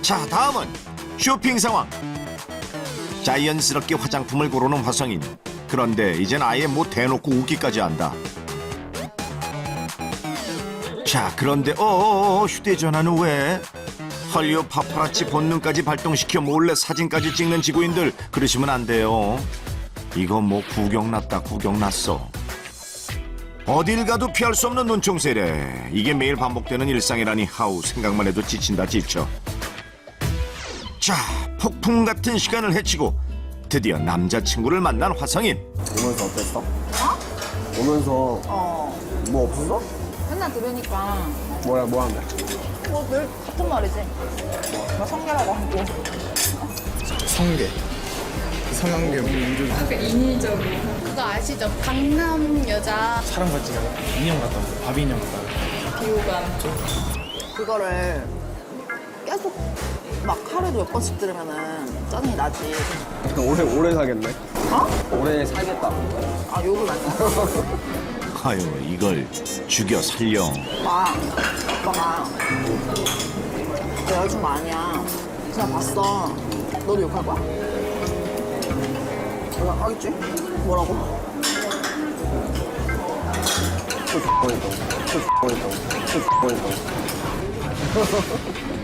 자, 다음은 쇼핑 상황. 자연스럽게 화장품을 고르는 화성인. 그런데 이젠 아예 뭐 대놓고 웃기까지 한다. 자, 그런데 휴대전화는 왜? 헐리우드 파파라치 본능까지 발동시켜 몰래 사진까지 찍는 지구인들, 그러시면 안 돼요. 이거 뭐 구경났다 구경났어. 어딜 가도 피할 수 없는 눈총세례. 이게 매일 반복되는 일상이라니 하우 생각만 해도 지친다 지쳐. 자, 폭풍 같은 시간을 헤치고 드디어 남자친구를 만난 화성인. 오면서 어땠어? 오면서 뭐 없었어? 맨날 들으니까 뭐 하는데? 늘 같은 말이지. 뭐 성계라고 하고. 성계, 성관계, 민족, 그거 아시죠? 강남 여자 사람 같지가 않아. 인형 같다고, 바비 인형 같다고. 그거를 계속 막 하루에 몇 번씩 들으면은 짜증이 나지. 오래 살겠네. 어? 오래 살겠다. 아, 욕을 많이 하고. 아유, 이걸 죽여 살려. 오빠가 내 여자친구 아니야. 그냥 봤어. 너도 욕할 거야? 내가 하겠지? 뭐라고? 또 X번했다고. 또 X번했다고. 또 X번했다고.